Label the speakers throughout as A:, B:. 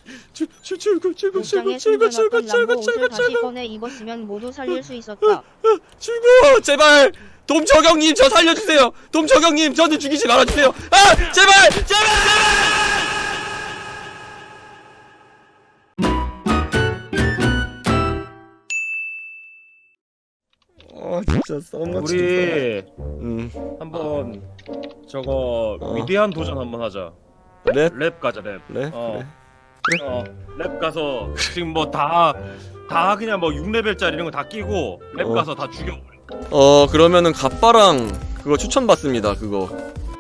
A: 출구
B: 다시 꺼내 입었으면 모두 살릴 수 있었다.
A: 출구 제발 돔저경님 저 살려주세요. 돔저경님 저는 죽이지 말아주세요. 아 제발 제발. 진짜 썸같이
C: 우리 한번 저거 위대한 도전 한번 하자. 랩 가자 랩.
A: 그래?
C: 랩 가서 지금 뭐 다 그냥 뭐 6레벨짜리 이런 거 다 끼고 랩 가서 다 죽여버려.
A: 그러면은 갑바랑 그거 추천받습니다. 그거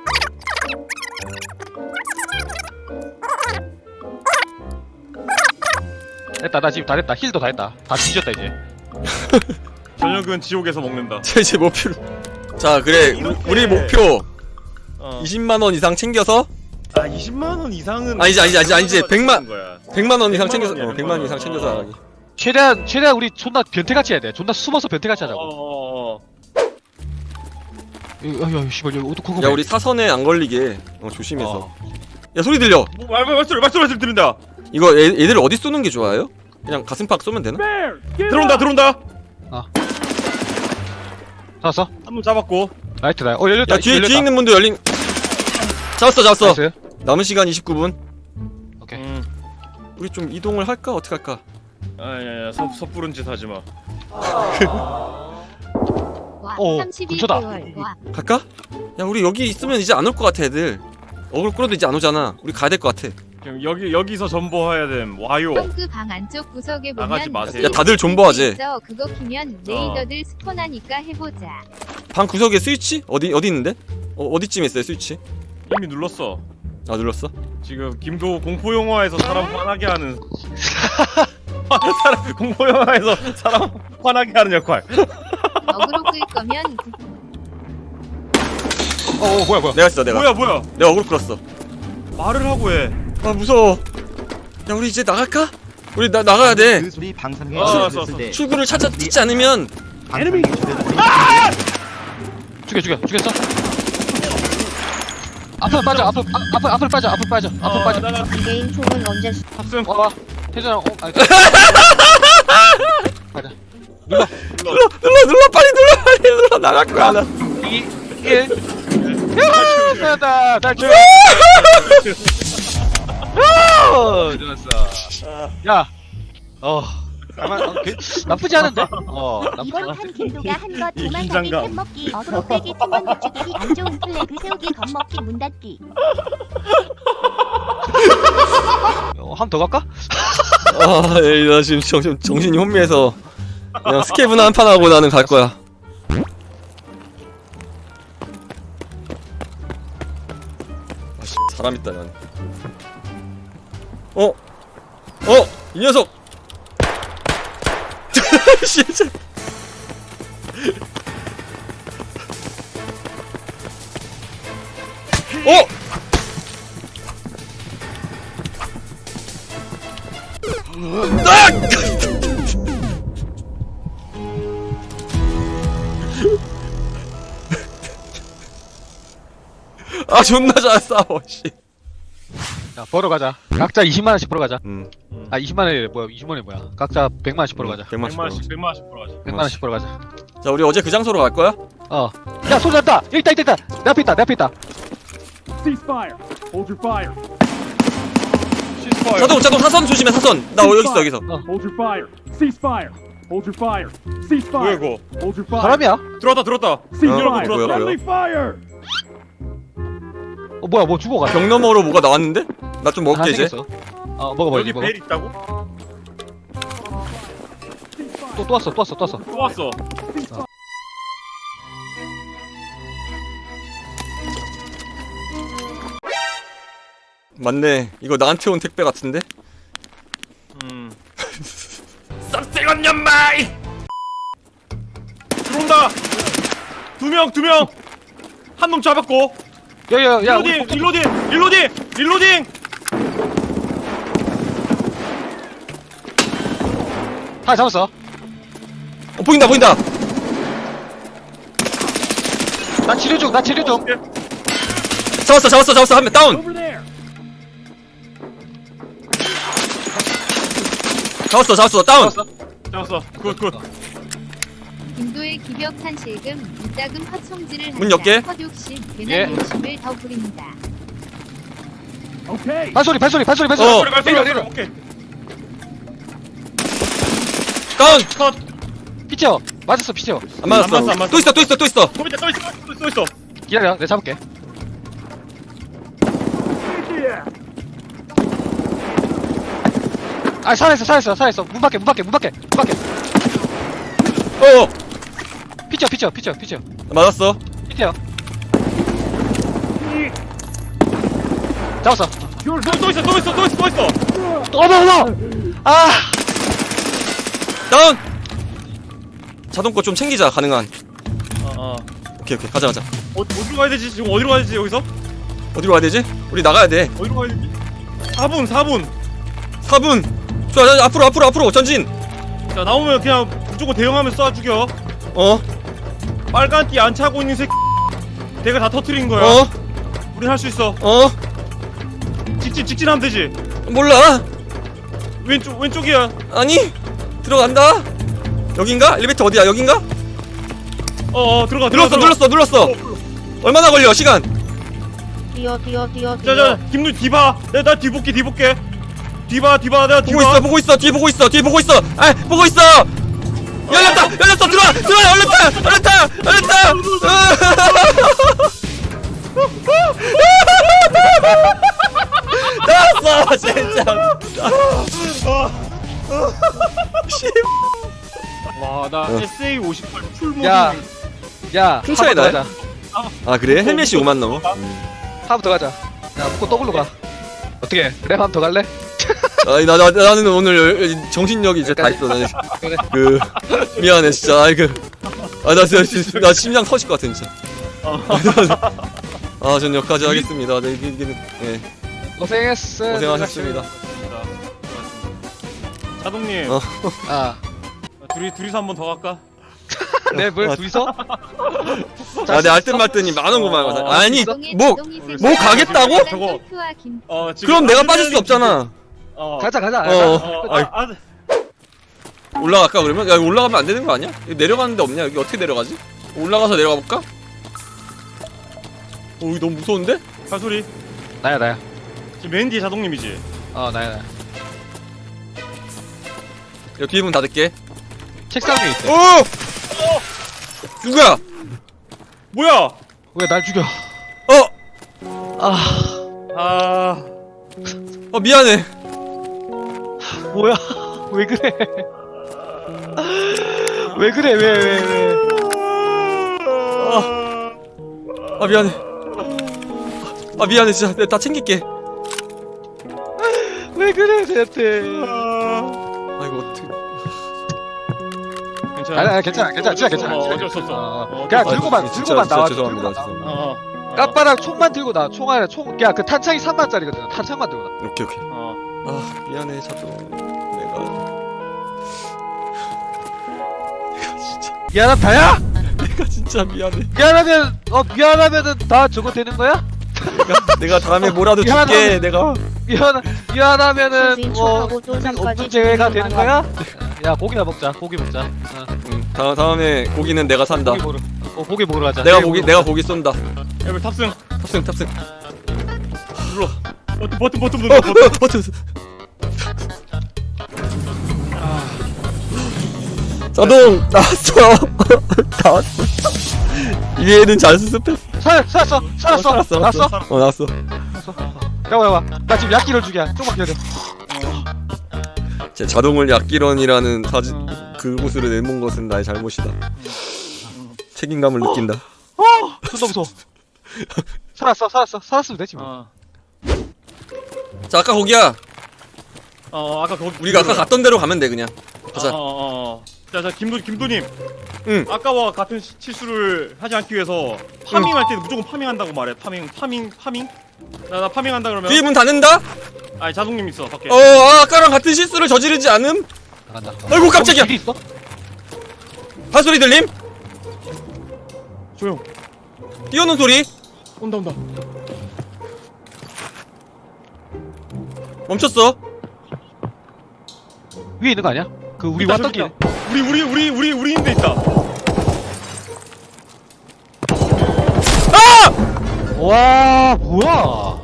D: 됐다. 나 지금 다 됐다. 힐도 다 했다. 다 뒤졌다 이제.
C: 저녁은 지옥에서 먹는다.
A: 제 목표로. 자 그래 우리 목표 20만원 이상 챙겨서
C: 20만원 이상은
A: 아니지 100만
C: 거야.
A: 100만원 이상 챙겨서
C: 100만
A: 100만 이상 챙겨서 하기.
D: 최대한 우리 존나 변태같이 해야 돼. 존나 숨어서 변태같이 하자고. 야, 씨발, 여기 어떡하고.
A: 야 우리 사선에 안 걸리게 조심해서. 야 소리 들려.
C: 말소리 들린다.
A: 이거 애들 어디 쏘는 게 좋아요? 그냥 가슴팍 쏘면 되나?
C: 들어온다.
D: 잡았어?
C: 한 번 잡았고.
D: 라이트다. 열렸다.
A: 야 뒤에
D: 열렸다.
A: 있는 분도 열린. 잡았어.
D: 나이스.
A: 남은 시간 29분.
D: 오케이.
A: 우리 좀 이동을 할까? 어떻게 할까?
C: 아야야 섣부른 짓 하지 마.
D: 오, 근처다.
A: 갈까? 야 우리 여기 있으면 이제 안 올 것 같아 애들. 어글 끌어도 이제 안 오잖아. 우리 가야 될 것 같아.
C: 지금 여기서 전보해야 됨. 와요.
E: 방 안쪽 구석에
C: 나가지
E: 보면
C: 마세요.
A: 야 다들 존버하지.
E: 그거 키면 레이더들 스폰하니까 해보자.
A: 방 구석에 스위치? 어디 있는데? 어디쯤에 있어요 스위치?
C: 이미 눌렀어.
A: 아 눌렀어?
C: 지금 김도 공포 영화에서 사람 화나게 하는 공포 영화에서 사람 화나게 하는 역할.
E: 어그로 끌 거면
D: 뭐야.
A: 내가 했어 내가.
C: 뭐야?
A: 내가 어글 끌었어.
C: 말을 하고 해.
A: 아 무서워. 야 우리 이제 나갈까? 우리 나가야 돼.
F: 그 소리 방송에
C: 알았어.
A: 출구를 찾지 않으면
D: 죽였어? 앞으로 빠져. 앞으로 빠져.
B: 개인 총은 언제
C: 탑승.
D: 와. 태준아. 가자.
A: 눌러 빨리 눌러 나갈 거야 나.
D: 2, 1. 야다. 탈출. 좋았어. 야. 나쁘지 않은데? 나쁘지
G: 이번
D: 않아.
G: 판 길도가 한거
C: 이
G: 도망가기
C: 긴장감.
G: 캔먹기 어그로 빼기 충원 늦추기 안 좋은 플래그 세우기 겁먹기 문 닫기.
D: 한 번 더 갈까?
A: 나 지금 정신이 혼미해서 그냥 스케이브나 한 판 하고 나는 갈 거야. 아씨 사람 있다 난. 이 녀석. 진짜. 아 존나 잘 싸워 씨.
D: 야, 벌어 가자. 각자 20만 원씩 벌어 가자. 20만 원이 뭐야? 20만 원이 뭐야? 각자 100만 원씩 벌어 가자.
A: 100만씩
C: 100만씩 벌어가지.
D: 100만 원씩 벌어 가자.
A: 자 우리 어제 그 장소로 갈 거야?
D: 야, 소리 났다. 여기 있다. 내 앞에 있다.
C: 시스파이어.
A: 자동 사선 조심해 사선. 나 여기 있어.
C: 뭐야 이거?
D: 사람이야?
C: 들어왔다.
A: 뭐야?
D: 뭐야? 뭐 죽어가.
A: 벽 너머로 뭐가 나왔는데? 나 좀 먹게 이제.
D: 먹어.
C: 여기 벨 있다고?
D: 또 왔어.
C: 또 왔어.
A: 맞네. 이거 나한테 온 택배 같은데?
C: 쌉세건 연마이. 들어온다. 두 명. 한 놈 잡았고.
D: 야.
C: 릴로딩.
D: 다 잡았어.
A: 보인다.
D: 나 치료 중.
A: 잡았어. 한 명 다운. 잡았어 다운.
C: 잡았어. 굿.
E: 인도의 기벽한 실금 이따금 헛송지를
A: 문 열게.
E: 헛욕심
D: 예.
E: 괜한 욕심을 더 부립니다.
D: 발소리.
A: 어.
C: 발소리. 오케이.
A: 다운.
C: 컷.
D: 피쳐. 맞았어 피쳐.
A: 안 맞았어.
C: 안 맞았어.
A: 또 있어.
C: 또 있어.
D: 기다려. 내가 잡을게. 아 살아있어. 문 밖에.
A: 어.
D: 피쳐.
A: 맞았어.
D: 피쳐. 잡았어.
C: 또 있어.
D: 어머. 아.
A: 다운. 자동거 좀 챙기자 가능한.
C: 어.
A: 오케이 가자.
C: 어디로 가야 되지? 지금 어디로 가야 되지 여기서?
A: 어디로 가야 되지? 우리 나가야 돼.
C: 어디로 가야 되지? 4분.
A: 4분. 좋아 앞으로 전진.
C: 자 나오면 그냥 무조건 대응하면 쏴 죽여.
A: 어.
C: 빨간 띠 안 차고 있는 새끼. 내가 다 터트린 거야.
A: 어.
C: 우린 할 수 있어.
A: 어.
C: 직진하면 되지.
A: 몰라.
C: 왼쪽이야.
A: 아니 들어간다. 여긴가? 엘리베이터 어디야? 여긴가?
C: 들어가.
A: 눌렀어. 얼마나 걸려? 시간.
B: 뛰어.
C: 자, 김누 뒤봐. 나 뒤볼게. 뒤봐. 내가 뒤봐.
A: 보고 있어. 뒤에 보고 있어. 아, 보고 있어. 열렸다. 들어와. 열렸다. 나왔어. 진짜.
C: 와, 나 SA 58 풀모드.
D: 야.
A: 큰 차이 나요?
D: 가자.
A: 아 그래? 헬멧이 5만 넘어.
D: 한번 더 가자. 야 묶고 더블로 가. 어떻게? 랩 한 번 더 갈래?
A: 아니 나는 오늘 정신력이 이제 다 있어. 나는
D: 그래.
A: 그 미안해 진짜. 나 심장 터질 것 같아 진짜. 전 여기까지 하겠습니다. 네, 네.
D: 고생했어.
A: 고생하셨습니다.
C: 자동님,
A: 어.
D: 아.
C: 둘이서 한 번 더 갈까?
D: 네, 뭘 둘이서?
A: 내 알뜰말뜰이 많은 거만 가자. 아니
E: 자동의
A: 뭐
E: 자동이
A: 뭐
E: 세상
A: 가겠다고?
C: 저거.
E: 셀프와 김
C: 지금
A: 그럼 내가 빠질 수 없잖아.
D: 가자.
A: 올라갈까 그러면? 야 이거 올라가면 안 되는 거 아니야? 여기 내려가는 데 없냐? 여기 어떻게 내려가지? 올라가서 내려가 볼까? 여기 너무 무서운데?
C: 발소리.
D: 나야.
C: 지금 맨 뒤에 자동님이지.
D: 나야.
A: 여기 뒤에 문 닫을게.
D: 책상 위에 있대.
A: 오! 누구야?
C: 뭐야?
D: 왜 날 죽여?
C: 아,
A: 미안해.
D: 뭐야? 왜 그래? 왜 그래? 왜?
A: 미안해. 미안해 진짜. 내가 다 챙길게.
D: 왜 그래, 대체?
A: 이거 어떻게?
D: 아니, 괜찮아. 진짜 괜찮아.
C: 어쩔 수 없어.
D: 그냥 들고만 나와.
A: 죄송합니다.
D: 까빠랑 총만 들고 나. 야, 그 탄창이 3만짜리거든. 탄창만 들고 나.
A: 오케이. 미안해 자동. 내가 진짜.
D: 미안하다야?
A: 내가 진짜 미안해.
D: 미안하면은 다 저거 되는 거야?
A: 내가 다음에 뭐라도 줄게. 내가.
D: 미안하면은
B: 수인 척하고 쫄상까지
D: 없는 제외가 되는
B: 준비만
D: 거야? 야, 고기나 먹자. 고기 먹자.
A: 다음에 고기는 내가 산다.
D: 고기 먹으러 가자.
A: 내가 고기 쏜다.
C: 에버 탑승.
A: 탑승. 눌러.
C: 버튼.
A: 버튼. 자동 나왔어. 위에는 잘 수습했어.
D: 살았어.
A: 나왔어. 나왔어.
D: 야. 나 지금 약기를 죽여. 조금만 기다려.
A: 제 자동을 약기런이라는 그곳으로 내몬 것은 나의 잘못이다. 책임감을 느낀다.
D: 존나 무서워. 살았으면 되지 뭐.
A: 자 아까 거기야.
C: 아까 거기.
A: 우리가 아까 갔던 데로 가면 돼 그냥. 가자.
C: 자, 김도님.
A: 응.
C: 아까와 같은 실수를 하지 않기 위해서 파밍할 때는 무조건 파밍한다고 말해. 파밍. 나 파밍한다 그러면.
A: 뒤에 문 닫는다?
C: 아니 자동님 있어 밖에.
A: 아까랑 같은 실수를 저지르지 않음?
D: 나간다.
A: 아이고 깜짝이야.
D: 길이 있어?
A: 발소리 들림?
C: 조용.
A: 뛰어오는 소리?
C: 온다.
A: 멈췄어.
D: 위에 있는 거 아니야? 그 우리
C: 있다,
D: 왔던
C: 저기
D: 길.
C: 있다. 우리 인데 있다.
D: 와 뭐야?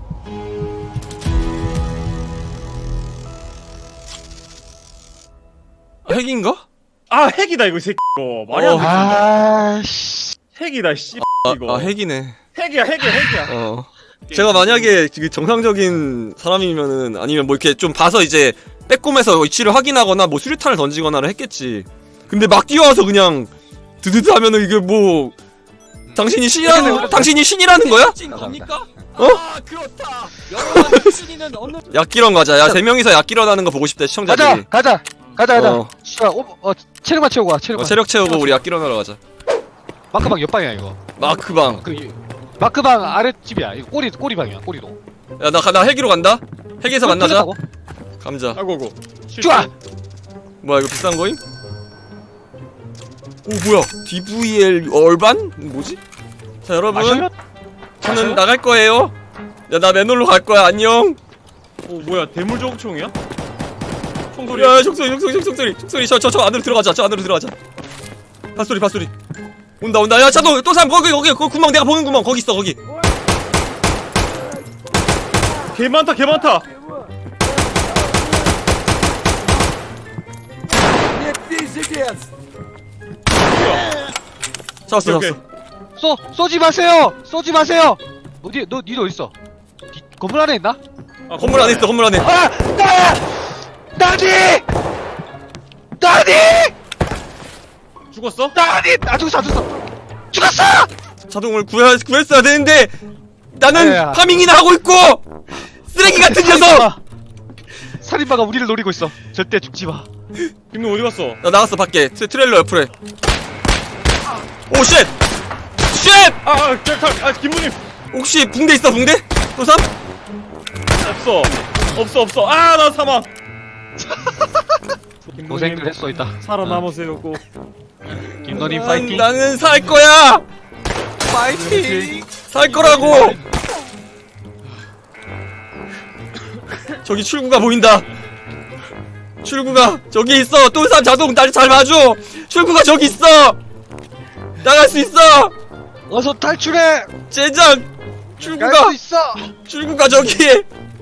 A: 핵인가?
C: 아 핵이다 이거 이 새끼. 이거 말이 안 돼.
D: 아씨.
C: 핵이다 씨. 이거.
A: 아 핵이네.
C: 핵이야.
A: 제가 만약에 그 정상적인 사람이면은 아니면 뭐 이렇게 좀 봐서 이제 빼꼼해서 위치를 확인하거나 뭐 수류탄을 던지거나를 했겠지. 근데 막 뛰어와서 그냥 드드드 하면은 이게 뭐 당신이 신이라는 거야?
D: 겁니까?
A: 어?
F: 아 그렇다. 여러분 신이는 어느
A: 약기런 가자. 야, 3명이서 약기런 하는 거 보고 싶다, 시청자들이.
D: 가자.
A: 어.
D: 씨발, 체력만 채우고 와. 체력만.
A: 체력 채우고 우리 약기런 하러 가자.
D: 마크방 옆방이야 이거.
A: 마크방.
D: 마크방 아랫집이야. 이거 꼬리 방이야. 꼬리로.
A: 야, 나 헬기로 간다. 헬기에서 만나자.
D: 털렸다고?
A: 감자.
C: 아이고.
D: 쭈아.
A: 뭐야, 이거 비싼 거임? 오, 뭐야? DVL 얼반? 뭐지? 자, 여러분.
D: 마셔요?
A: 저는 나갈 거예요. 야, 나 맨홀로 갈 거야. 안녕.
C: 뭐야 대물 저총이야?
A: 총소리. 야, 총소리. 저 안으로 들어가자. 저 안으로 들어가자. 밭소리. 온다. 야, 차도 또 사람 거기 그 구멍 내가 보는 구멍 거기 있어 거기.
C: 개 많다.
A: 잡았어.
C: 오케이.
D: 쏘지 마세요. 니도 어디 있어? 건물 안에 있나?
C: 아,
A: 건물 안에 있어. 건물 안에.
D: 아! 나니!
C: 죽었어?
D: 아 죽었어!
A: 자동을 구했어야 되는데 나는
D: 야.
A: 파밍이나 하고 있고 쓰레기 같은 녀석.
D: 살인마가 우리를 노리고 있어. 절대 죽지 마.
C: 김동 어디 갔어?
A: 나 나갔어 밖에. 트레일러 옆으로. 오 쉣.
C: 김동님
A: 혹시 붕대 있어 붕대? 또삼?
C: 없어. 아 나 사망.
D: 고생들 했어 있다.
C: 살아남으세요 꼭.
D: 김너님 파이팅.
A: 나는 살 거야. 파이팅. 살 거라고. 저기 출구가 보인다. 출구가 저기 있어. 또삼 자동 날 잘 봐줘. 출구가 저기 있어. 나갈 수 있어.
D: 어서 탈출해.
A: 젠장.
D: 갈 수 있어.
A: 출구가 저기에.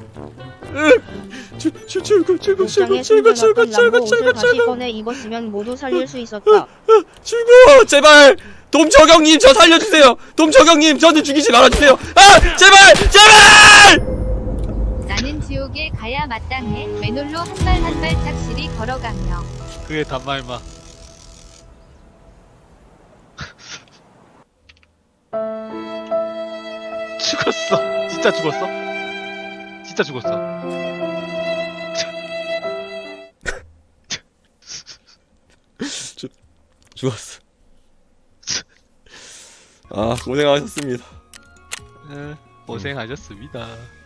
B: 옷장에 숨겨놨던 람보 옷을 다시 꺼내 입었으면 모두 살릴 수 있었다.
A: 출구 제발. 돔저경님 저 살려주세요. 돔저경님 저는 죽이지 말아주세요. 아 제발.
E: 나는 지옥에 가야 마땅해. 맨홀로 한 발 한 발 착실히 걸어가며.
D: 그의 단말마. 죽었어. 진짜 죽었어.
A: 죽었어. 아 고생하셨습니다.
D: 고생하셨습니다.